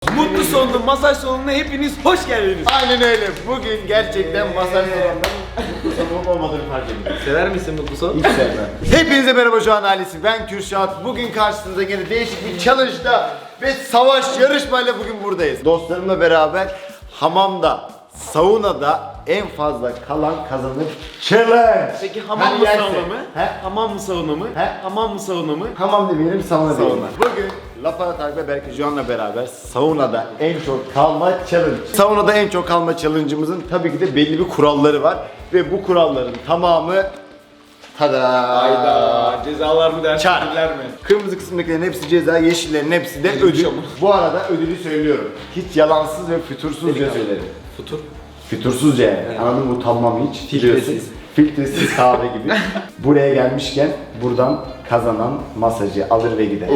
Mutlu sonlu masaj salonuna hepiniz hoş geldiniz. Aynen öyle. Bugün gerçekten masaj salonundan mutlu son olmadığını fark ettim. Sever misin mutlu son? Hiç sevmem. Hepinize merhaba şu an ailesi. Ben Kürşat. Bugün karşınızda yine değişik bir challenge'da ve savaş yarışmayla bugün buradayız. Dostlarımla beraber hamamda, saunada en fazla kalan kazanır challenge. Peki hamam mı sauna mı? Hamam mı sauna mı? Hamam mı sauna mı? Hamam demeyelim, sauna diyelim. Bugün Lapa Tarık ve Berke Juan'la beraber saunada en çok kalma challenge. Saunada en çok kalma challenge'ımızın tabii ki de belli bir kuralları var. Ve bu kuralların tamamı tada! Hayda, cezalar mı dersin, Çar. ödüller mi? Kırmızı kısımdakilerin hepsi ceza, yeşillerin hepsi de ödül. Bu arada ödülü söylüyorum. Hiç yalansız ve fütursuzca söylerim. Futur. Fütursuzca yani. Anladın mı? Utanmam hiç. Filtresiz. Filtresiz kahve gibi. Buraya gelmişken buradan kazanan masajı alır ve gider.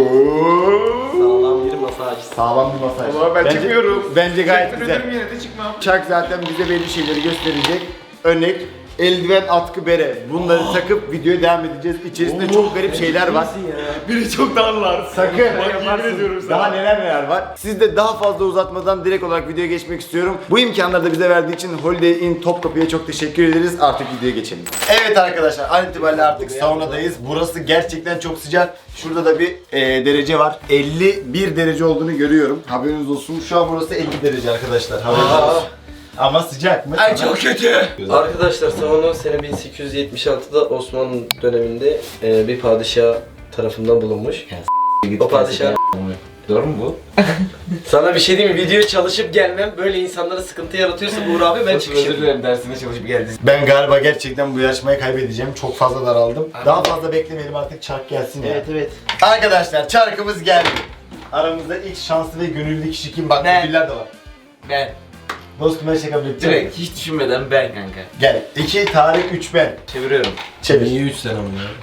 Sağlam bir masaj. Sağlam bir masaj. Ama ben çıkmıyorum. Bence gayet güzel. Ederim yine de çıkmam. Çak zaten bize belli şeyleri gösterecek. Örnek eldiven, atkı, bere. Bunları takıp videoya devam edeceğiz. İçerisinde çok garip şeyler var. Biri çok darlar. Sakın. Yemin ediyorum sana. Daha neler var. Siz de daha fazla uzatmadan direkt olarak videoya geçmek istiyorum. Bu imkanları da bize verdiği için Holiday Inn Topkapı'ya çok teşekkür ederiz. Artık videoya geçelim. Evet arkadaşlar, an itibariyle artık saunadayız. Burası gerçekten çok sıcak. Şurada da bir derece var. 51 derece olduğunu görüyorum. Haberiniz olsun. Şu an burası 50 derece arkadaşlar. Haberiniz olsun. Ama sıcak mı? Ay çok kötü. Arkadaşlar sauna sene 1876'da Osmanlı döneminde bir padişah tarafından bulunmuş. O padişah... Doğru mu bu? Sana bir şey diyeyim mi? Videoya çalışıp gelmem böyle insanlara sıkıntı yaratıyorsa Uğur abi ben Özür çıkışım. dilerim, dersine çalışıp geldiniz. Ben galiba gerçekten bu yarışmayı kaybedeceğim. Çok fazla daraldım. Daha fazla beklemeyelim, artık çark gelsin ya. Evet. Arkadaşlar çarkımız geldi. Aramızda ilk şanslı ve gönüllü kişi kim? Bak Ben. ödüller de var. Ben. Dostum her şey kabul edeceğim. Direkt hiç düşünmeden ben kanka. Gel. 2 Tarık, 3 ben. Çeviriyorum. Çevir. 3 sene ama ya?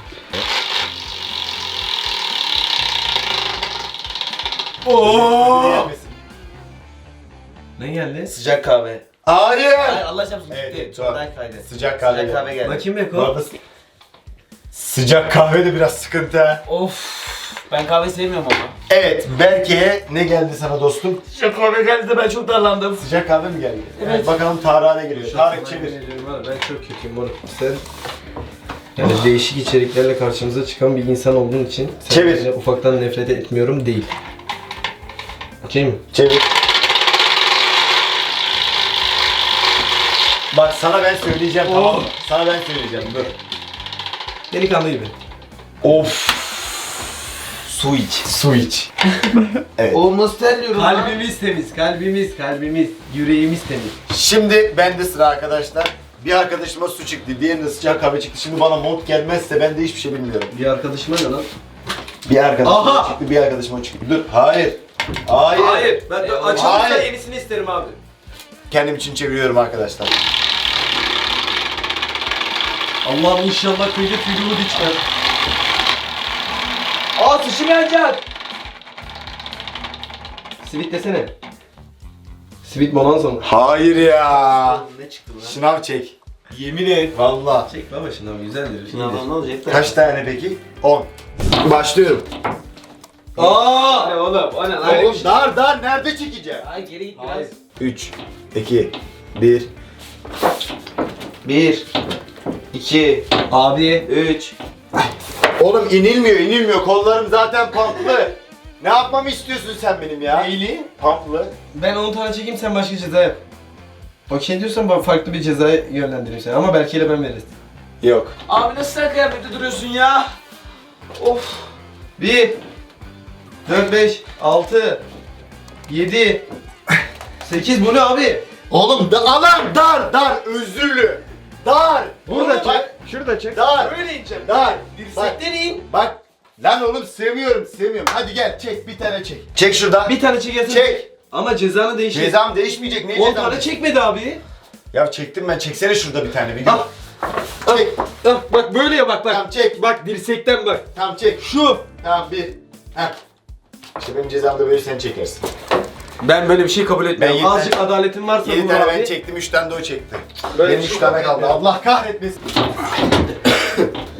Gelmesin. Ne geldi? Sıcak kahve. Hayır. Ay Allah çarpsın Evet, gitti. tamam. Daha kaydı. Sıcak kahve. Sıcak kahve geldi. Bakayım Bu Beko. arada sıcak kahve de biraz sıkıntı ha. Of. Ben kahve sevmiyorum ama. Evet, Berke'ye ne geldi sana dostum? Sıcak kahve geldi de ben çok darlandım. Sıcak kahve mi geldi? Evet. Bakalım Tarık'a ne geliyor? Tarık çevir. Ben çok kötüyüm moruk. Sen yani değişik içeriklerle karşımıza çıkan bir insan olduğun için Çevir. senden ufaktan nefret etmiyorum değil. Okey mi? Çevir. Bak sana ben söyleyeceğim, tamam mı? Sana ben söyleyeceğim, dur. Delikanlı gibi. Of. Su iç. Su iç. Evet. Oğlum nasıl terliyorum lan? Kalbimiz temiz, kalbimiz, yüreğimiz temiz. Şimdi bende sıra arkadaşlar. Bir arkadaşıma su çıktı, diğerine sıcak kahve çıktı. Şimdi bana mont gelmezse ben de hiçbir şey bilmiyorum. Bir arkadaşıma ne lan? Bir arkadaşıma Aha! çıktı, bir arkadaşıma çıktı. Dur, hayır. Hayır. Ben Hayır. açılırsa yenisini isterim abi. Kendim için çeviriyorum arkadaşlar. Allah'ım inşallah köyde tüylü içmez. Aa sıçım yanacak. Sivit desene. Sivit bonanza mı? Hayır ya. Ne çıktı lan? Şınav çek. Yemin et. Valla. Çek baba şundan güzeldir. Sınavdan ne olacak da? Kaç tane peki? 10. Başlıyorum. Aa! Ne oğlum? O ne lan? Oğlum dar nerede çekeceğim? Ay geri git biraz. Hayır. 3, 2, 1. 1 2 Abi. 3 Oğlum inilmiyor. Kollarım zaten pamplı. Ne yapmamı istiyorsun sen benim ya? Neyli? Pamplı. Ben 10 tane çekeyim sen başka ceza yap. Okey diyorsan ben farklı bir cezaya yönlendireyim seni ama belki ile ben veririz. Yok. Abi nasıl sen kıyafette duruyorsun ya? Of. 1 4 5 6 7 8 bu ne abi? Oğlum alan dar özürlü. Dar. Burada Oğlum çek. bak, Şurada çek. dar. Böyle ineceğim. Dar. Dirsekten in. Bak. Lan oğlum sevmiyorum. Hadi gel çek bir tane çek. Çek şuradan. Bir tane çekersin. Çek. Ama cezanı değişir. Cezam değişmeyecek. Ne 10 cezam? tane çekmedi abi. Ya çektim ben. Çeksene şurada bir tane bir gün. Al. Çek. Bak böyle ya bak. Tamam çek. Bak dirsekten bak. Tamam çek. Şu. Tamam bir. Heh. İşte benim cezamda böyle sen çekersin. Ben böyle bir şey kabul etmiyorum. Ben yeter- Azıcık adaletin varsa 7 bu tane abi. ben çektim, 3 tane de o çekti. Böyle Benim bir 3 şey tane kabul kaldı. etmiyorum. Allah kahretmesin.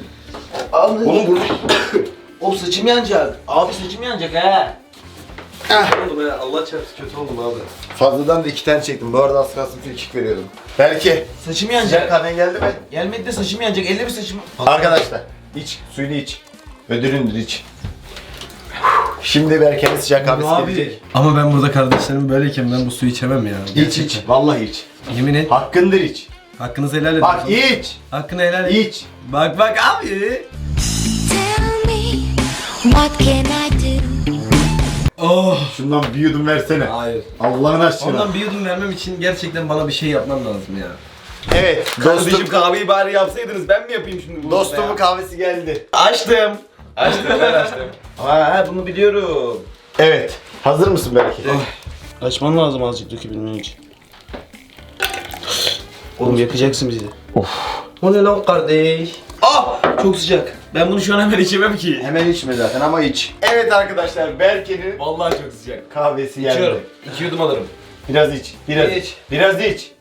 Oğlum Oğlum burada Oğlum saçım yanacak. Abi saçım yanacak he. Oğlum ya Allah çarpsın kötü oldum abi. Fazladan da 2 tane çektim. Bu arada az kalsın frikik veriyordum. Belki. Saçım Sıcak yanacak. kahven geldi mi? Gelmedi de saçım yanacak. Elle bir saçım. Arkadaşlar iç. Suyunu iç. Ödülündür iç. Şimdi Berke'nin sıcak kahvesi gelecek. Ama ben burada kardeşlerim böyleyken ben bu suyu içemem ya. İç iç. Vallahi iç. Yemin et. Hakkındır iç. Hakkınızı helal edin. Bak iç. Hakkını helal edin. İç. Bak abi. Tell me, what can I do? Oh. Şundan bir yudum versene. Hayır. Allah'ın aşkına. Ondan bir yudum vermem için gerçekten bana bir şey yapman lazım ya. Evet. Kardeşim kahveyi bari yapsaydınız ben mi yapayım şimdi bunu? Dostumun kahvesi geldi. Açtım. Açtım ben açtım. Ha bunu biliyorum. Evet. Hazır mısın Berke? Açman lazım azıcık dökebilmen için. Oğlum yakacaksın bizi. O ne lan kardeş? Ah! Çok sıcak. Ben bunu şu an hemen içemem ki. Hemen içme zaten ama iç. Evet arkadaşlar Berke'nin Vallahi çok sıcak. kahvesi geldi. İçiyorum. 2 yudum alırım. Biraz iç. Biraz İç. iç. Biraz iç.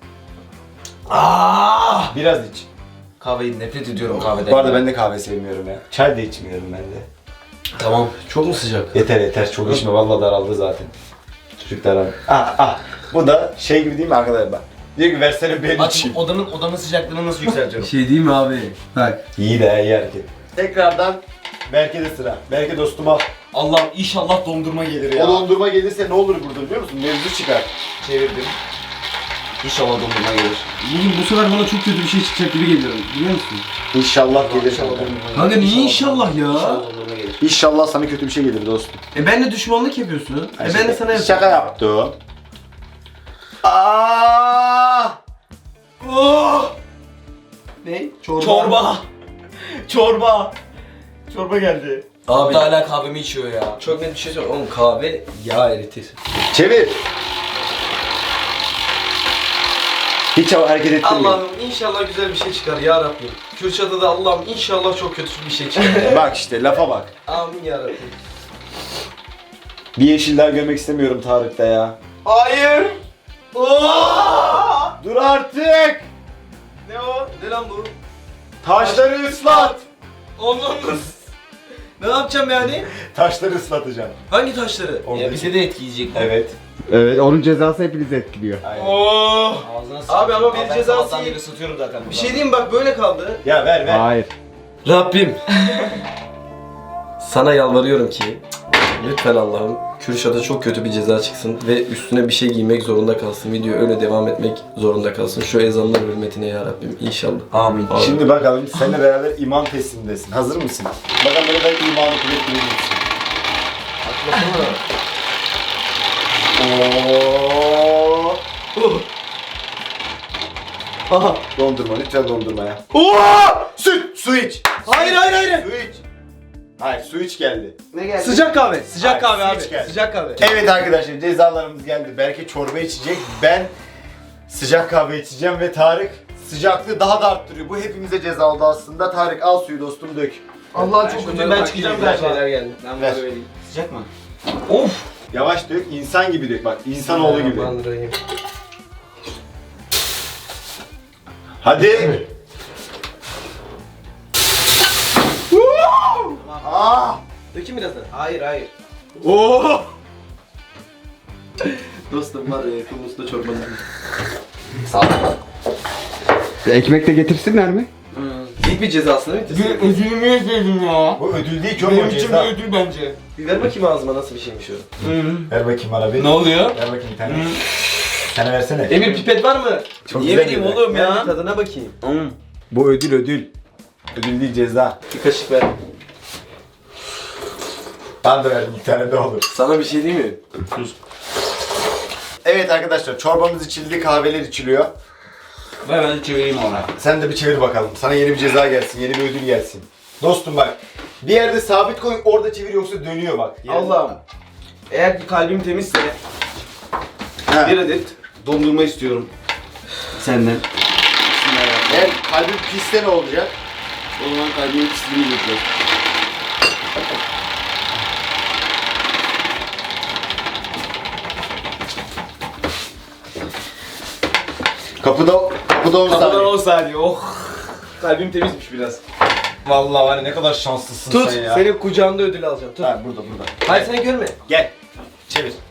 Ah! Biraz iç. Kahveyi nefret ediyorum kahveden. Bu arada ben de kahve sevmiyorum ya. Çay da içmiyorum ben de. Tamam. Çok mu sıcak? Yeter yeter çok içme vallahi daraldı zaten. Çocuk daraldı. Bu da şey gibi değil mi arkadaşlar bak. Diyor ki versene ben Aç içeyim. odanın sıcaklığını nasıl Bir yükseltiyorum? şey değil mi abi? Bak. İyi de iyi hareket. Tekrardan Berke'de sıra. Berke dostum al. Allah'ım inşallah dondurma gelir O ya. dondurma gelirse ne olur burada biliyor musun? Mevzu çıkar. Çevirdim. İnşallah dondurma gelir. Bugün bu sefer bana çok kötü bir şey çıkacak gibi geliyor. Biliyor musun? İnşallah gelir. İnşallah dondurma gelir. Kanka niye inşallah ya? İnşallah dondurma gelir. İnşallah sana kötü bir şey gelir dostum. Ben de düşmanlık yapıyorsun. Ben de sana yapıyorum. Şaka yaptım. Aa! Oh! Ne? Çorba. Çorba. Çorba geldi. Abi. Hatta hala kahvemi içiyor ya. Çok net bir şey söyleyeyim. Oğlum kahve yağ eritir. Çevir. Hiç hareket ettirmeyin. Allah'ım inşallah güzel bir şey çıkar ya Rabbim. Kürşat'a da Allah'ım inşallah çok kötü bir şey çıkar. Bak işte lafa bak. Amin ya Rabbim. Bir yeşil daha görmek istemiyorum Tarık'ta ya. Hayır. Oh! Dur artık. Ne o? Ne lan bu? Taşları ıslat. Onlarınız. Ne yapacağım yani? Taşları ıslatacağım. Hangi taşları? Ya bize de etkileyecek. Evet. Evet, onun cezası hepinizi etkiliyor. Aynen. Oh! Ağzına Abi ama bir ben cezası sabahtan yok. beri ısıtıyorum zaten. Bir şey diyeyim mi? Bak böyle kaldı. Ya ver ver. Hayır. Rabbim. Sana yalvarıyorum ki lütfen Allah'ım Kürşat'a çok kötü bir ceza çıksın ve üstüne bir şey giymek zorunda kalsın. Video öyle devam etmek zorunda kalsın. Şu ezanlar hürmetine ya Rabbim inşallah. Amin. Şimdi bakalım seninle beraber iman testindesin. Hazır mısın? Bakalım böyle ben imanı kuvvetli misin? Oo. Aha. Dondurma lütfen dondurma ya. Süt, su iç. Hayır hayır hayır. Su iç. Hayır su iç geldi. Ne geldi? Sıcak kahve. Sıcak Hayır, kahve su abi. iç geldi. Sıcak kahve. Evet arkadaşlar cezalarımız geldi. Berke çorba içecek. Ben sıcak kahve içeceğim ve Tarık sıcaklığı daha da arttırıyor. Bu hepimize ceza oldu aslında. Tarık al suyu dostum dök. Allah çok kötü. Ben çıkacağım güzel galiba. şeyler geldi. Ben Ver. bunu vereyim. Sıcak mı? Of. Yavaş dök. İnsan gibi dök bak. İnsanoğlu gibi. Bismillahirrahmanirrahim. Hadi. Aa! Dökeyim biraz da. Hayır hayır. Oo! Dostum var ya Kıbrıs'ta çorbanın. Ekmek de getirsinler mi? İlk bir cezasını bitirsin. Ödülümü yedim ya. Bu ödül değil ki oğlum o ceza. ödül bence. Bir ver bakayım ağzıma nasıl bir şeymiş o. Ver bakayım bana bir. Ne oluyor? Ver bakayım bir tane. Sana versene. Emir pipet var mı? Çok Niye güzel vereyim bir oğlum Ver ya? bir tadına bakayım. Bu ödül ödül. Ödül değil ceza. Bir kaşık ver. Ben de verdim bir tane de olur. Sana bir şey diyeyim mi? Evet arkadaşlar çorbamız içildi, kahveler içiliyor. Ben çevireyim ona. Sen de bir çevir bakalım. Sana yeni bir ceza gelsin, yeni bir ödül gelsin. Dostum bak. Bir yerde sabit koy, orada çevir yoksa dönüyor bak. Allah'ım. Eğer ki kalbim temizse Ha. bir adet dondurma istiyorum. Senden. Eğer kalbin pisse ne olacak? O zaman kalbimin pisliğini götür. Kapıda 10 Kapıdan saniye. 10 saniye. Oh. Kalbim temizmiş biraz. Vallahi var ya ne kadar şanslısın Tut. sen ya. Senin kucağında ödül alacağım. Tut. Ha burada burada. Hayır seni görme. Gel. Çevir.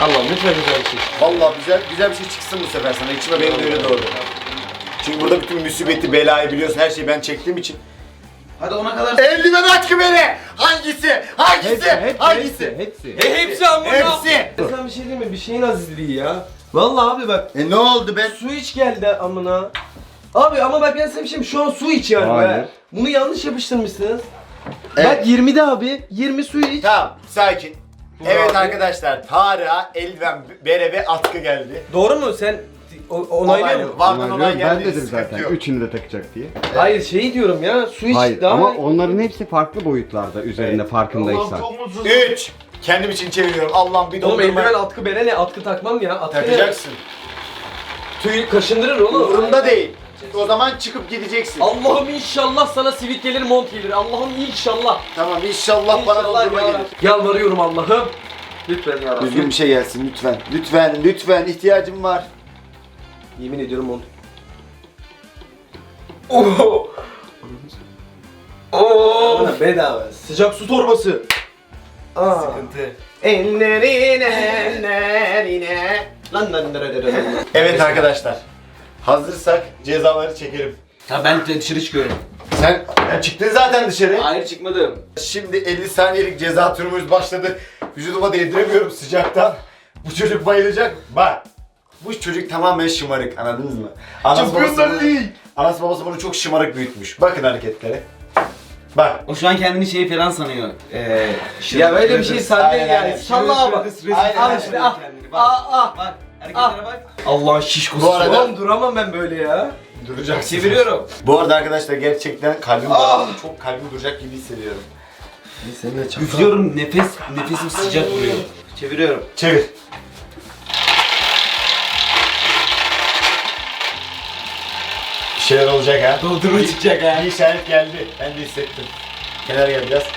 Allah'ım lütfen güzel bir şey. Vallahi güzel bir şey çıksın bu sefer sana. İçime benim de öyle doğdu. Çünkü burada bütün musibeti, belayı biliyorsun. Her şeyi ben çektiğim için. Hadi ona kadar. Eldiven atkı beni! Hangisi? Hangisi? Hepsi. Hepsi amına. Hepsi! Sen bir şey değil mi? Bir şeyin azizliği ya. Vallahi abi bak. Ne oldu ben? Su iç geldi amına. Abi ama bak ben sana bir şey şu an su iç yani. Hayır. Be. Bunu yanlış yapıştırmışsınız. Evet. Bak 20'de abi. 20 su iç. Tamam, sakin. Evet abi. arkadaşlar, Tarık'a eldiven, bere ve atkı geldi. Doğru mu? Sen onaylıyor musun? Vardan olay Ben geldi. dedim sıkıntı zaten yok. üçünü de takacak diye. Hayır şey diyorum ya. Su iç Hayır daha. ama onların hepsi farklı boyutlarda üzerinde farkındaysan. mutsuz. 3. Kendim için çeviriyorum. Allah'ım bir Oğlum dondurma. eldiven atkı bere ne? Atkı takmam ya. Atkı ne? Takacaksın. Tüy kaşındırır oğlum. Umurumda değil. O zaman çıkıp gideceksin. Allah'ım inşallah sana sivit gelir, mont gelir. Allah'ım inşallah. Tamma inşallah bana dondurma gelir. Yalvarıyorum Allah'ım. Lütfen ya Rabbim. Düzgün bir şey gelsin lütfen. Lütfen ihtiyacım var. Yemin ediyorum mont. Oh. Oh. Bedava. Sıcak su torbası. Aa. Sıkıntı. Ellerine. Lan. Evet arkadaşlar. Hazırsak cezaları çekelim. Ha ben de dışarı çıkıyorum. Sen çıktın zaten dışarı. Hayır çıkmadım. Şimdi 50 saniyelik ceza turumuz başladı. Vücuduma değdiremiyorum sıcaktan. Bu çocuk bayılacak. Bak. Bu çocuk tamamen şımarık, anladınız mı? Anası babası bunu çok şımarık büyütmüş. Bakın hareketlere. Bak. O şu an kendini şey falan sanıyor. Ya böyle bir şey sende Aynen, yani. aynen. Salla bak. Aynen, Al aynen. işte al. Bak. Aa. Bak hareketlere bak. Allah şişkosu. Bu arada- Oğlum duramam ben böyle ya. Duracaksın. Çeviriyorum. Bu arada arkadaşlar gerçekten kalbim daraldı. Çok kalbim duracak gibi hissediyorum. Sen de çabuk. Üflüyorum nefesim sıcak vuruyor. Çeviriyorum. Çevir. Bir şeyler olacak ha. Doldurma çıkacak ha. Bir işaret geldi. Ben de hissettim. Kenara gel biraz.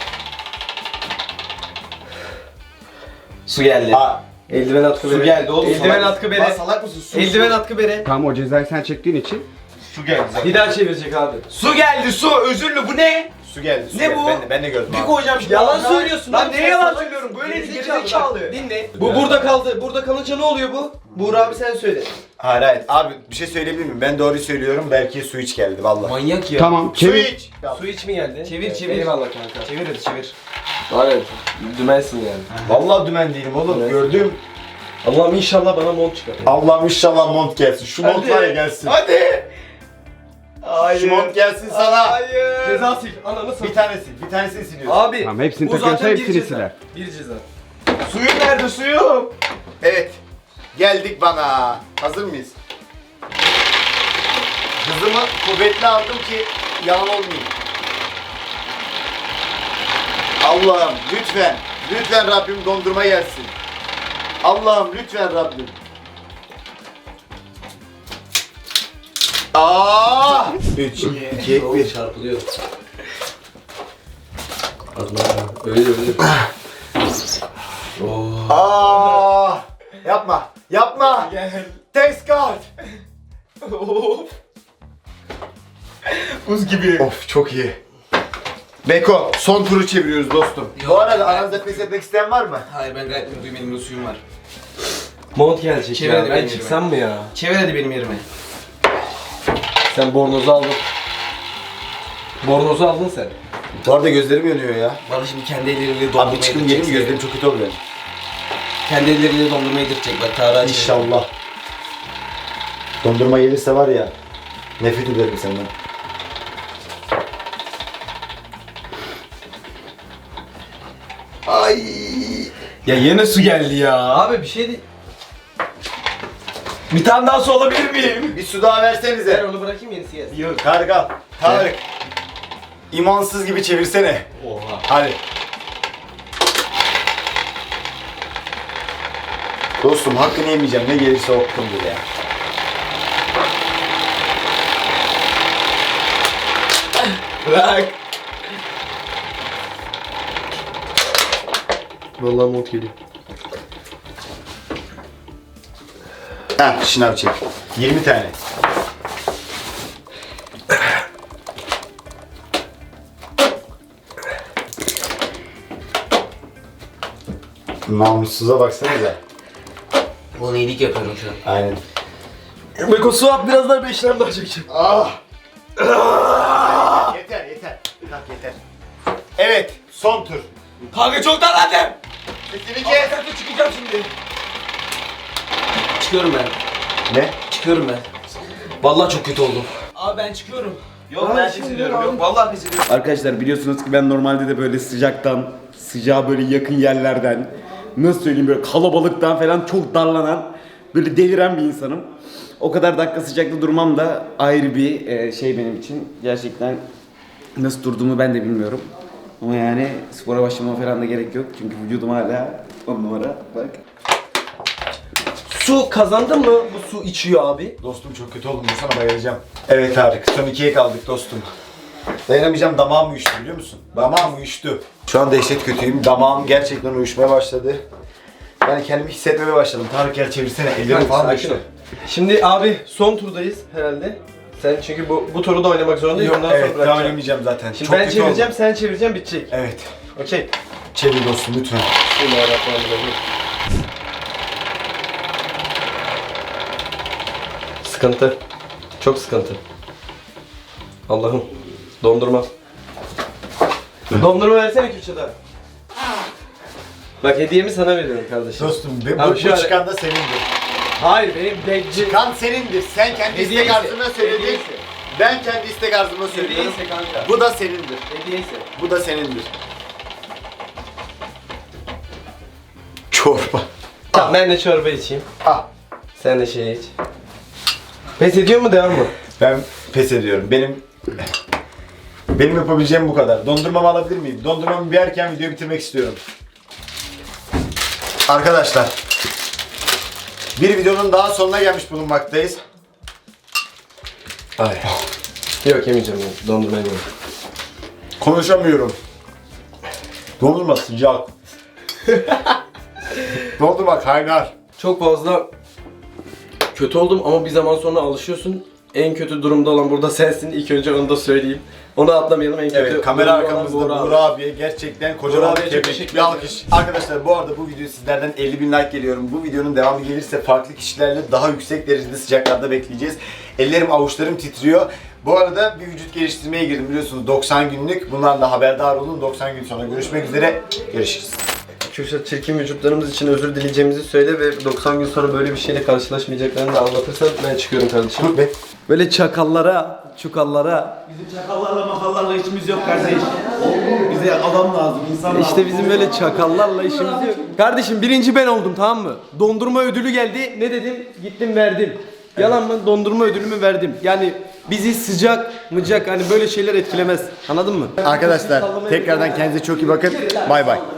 Su geldi. Aa, Eldiven atkı bere. Su geldi oğlum. Eldiven atkı bere. salak mısın? Su, Eldiven atkı bere. Tam o cezayı sen çektiğin için Su geldi zaten. Bir daha çevirecek abi. Su geldi su özürlü bu ne? Su geldi. Su Ne geldi. bu? Ben de gördüm Bir abi. koyacağım şimdi. Yalan ağzına. söylüyorsun Lan abi, neye sen yalan salak söylüyorum? Böyle bir Gerizekalı. gerizekalı. Dinle. Bu burada kaldı. Burada kalınca ne oluyor bu? Buğra abi sen söyle. Hayır hayır. Abi bir şey söyleyebilir miyim? Ben doğruyu söylüyorum. Belki su iç geldi vallahi. Manyak ya. tamam Su çevir. iç. Su iç mi geldi? Çevir, çevir. Eyvallah kanka. Çevir hadi çevir. Evet. Dümensin yani. Vallahi dümen değilim oğlum. Evet. Gördüm. Allah'ım inşallah bana mont çıkar. Allah'ım inşallah mont gelsin. Şu mont Hadi. var ya gelsin. Hadi. Hayır. Şu mont gelsin sana. Hayır. Ceza sil. Ananı sil. Bir tanesini siliyorsun. Abi. Tamam hepsini bu takıyorsa zaten bir hepsini ceza. siler. Bir ceza. Suyum nerede suyum? Evet. Geldik bana. Hazır mıyız? Hızımı kuvvetli aldım ki yalan olmayayım. Allah'ım lütfen. Lütfen Rabbim dondurma gelsin. Allah'ım lütfen Rabbim. Aa! 3, 2, 1. Çarpılıyor. Öyle öyle. Oh. Aa! Yapma. Yapma. Thanks God. Buz gibi. Of çok iyi. Beko son turu çeviriyoruz dostum. Bu arada aranızda pes etmek isteyen var mı? Hayır ben gayet mutluyum elimde suyum var. Mont gelecek Çevir ya. hadi Ben benim çıksam mı ya? Çevir hadi benim yerime. Sen bornozu aldın. Bornozu aldın sen. Bu arada gözlerim yanıyor ya. Bana şimdi kendi elleriyle dondurmayı Abi çıkın gelin mi? Gözlerim çok kötü oluyor. Kendi elleriyle dondurmayı yedirecek bak Tarık'a çevir. İnşallah. Dondurma gelirse var ya. Nefret ederim senden. Ay. Ya yine su geldi ya. Abi bir şey değil. Bir tane daha su alabilir miyim? Bir su daha Ver versenize. onu bırakayım yenisi gelsin. Yok. Kargal. Tarık. İmansız gibi çevirsene. Oha. Hadi. Dostum hakkını yemeyeceğim. Ne gelirse okudum bile ya. Bırak. Vallahi mont geliyor. Ha, şınav çek. 20 tane. Namussuza baksanıza. Bana iyilik yapıyorum şu an. Aynen. Beko su at biraz daha 5 daha çekeceğim. Yeter yeter. Kalk yeter. Evet son tur. Kanka çok darlandım. Sesini kes. Çıkacağım şimdi. Çıkıyorum ben. Ne? Çıkıyorum ben. Vallahi çok kötü oldum. Abi ben çıkıyorum. Yok ben pes ediyorum. Yok vallahi pes ediyorum. Arkadaşlar biliyorsunuz ki ben normalde de böyle sıcaktan, sıcağa böyle yakın yerlerden, nasıl söyleyeyim böyle kalabalıktan falan çok darlanan, böyle deliren bir insanım. O kadar dakika sıcakta durmam da ayrı bir şey benim için. Gerçekten nasıl durduğumu ben de bilmiyorum. Ama yani spora başlamama falan da gerek yok. Çünkü vücudum hala 10 numara. Bak. Su kazandın mı? Bu su içiyor abi. Dostum çok kötü oldum. Sana bayılacağım. Evet Tarık. Son 2'ye kaldık dostum. Dayanamayacağım. Damağım uyuştu biliyor musun? Damağım uyuştu. Şu an dehşet kötüyüm. Damağım gerçekten uyuşmaya başladı. Yani kendimi hissetmeye başladım. Tarık gel çevirsene. Ellerim falan Sakin uyuştu. ol. Şimdi abi son turdayız herhalde. Sen çünkü bu turu da oynamak zorundayız. Yok, Ondan sonra evet daha bırakacağım. oynamayacağım zaten. Şimdi Çok ben kötü çevireceğim, oldum. sen çevireceksin, bitecek. Evet. Okey. Çevir dostum lütfen. Bismillahirrahmanirrahim. Sıkıntı. Çok sıkıntı. Allah'ım. Dondurma. Dondurma versene Kürşat'a. Bak hediyemi sana veriyorum kardeşim. Dostum Abi bu şöyle- çıkan da senindir. Hayır benim bekçi. Kan senindir. Sen kendi istek Hediyeyse, arzuna söyledin. hediyeyse. Ben kendi istek arzuma söylüyorum. Hediyeyse kanka. Bu da senindir. Hediyeyse. Bu da senindir. Çorba. Tamam ben de çorba içeyim. Ah. Sen de şey iç. Pes ediyor mu devam mı? Ben pes ediyorum. Benim yapabileceğim bu kadar. Dondurmamı alabilir miyim? Dondurmamı yerken videoyu bitirmek istiyorum. Arkadaşlar, bir videonun daha sonuna gelmiş bulunmaktayız. Ay. Yok yemeyeceğim ben. Dondurma yemeyeceğim. Konuşamıyorum. Dondurma sıcak. Dondurma kaynar. Çok fazla kötü oldum ama bir zaman sonra alışıyorsun. En kötü durumda olan burada sensin. İlk önce onu da söyleyeyim. Onu atlamayalım. En kötü Evet, kamera durumda olan arkamızda Buğra abi. Buğra abiye gerçekten kocaman Buğra bir abiye çok tebrik, teşekkür bir alkış. Arkadaşlar bu arada bu video sizlerden 50.000 like geliyorum. Bu videonun devamı gelirse farklı kişilerle daha yüksek derecede sıcaklarda bekleyeceğiz. Ellerim avuçlarım titriyor. Bu arada bir vücut geliştirmeye girdim biliyorsunuz 90 günlük. Bundan da haberdar olun. 90 gün sonra görüşmek üzere. Görüşürüz. Kürşat çirkin vücutlarımız için özür dileyeceğimizi söyle ve 90 gün sonra böyle bir şeyle karşılaşmayacaklarını da anlatırsan ben çıkıyorum kardeşim. Dur be. Böyle çakallara, çukallara. Bizim çakallarla makallarla işimiz yok kardeş. Bize adam lazım, insan lazım. İşte bizim böyle çakallarla işimiz yok. Kardeşim birinci ben oldum tamam mı? Dondurma ödülü geldi. Ne dedim? Gittim verdim. Yalan mı? Dondurma ödülümü verdim. Yani bizi sıcak, mıcak hani böyle şeyler etkilemez. Anladın mı? Arkadaşlar tekrardan kendinize çok iyi bakın. Bay bay.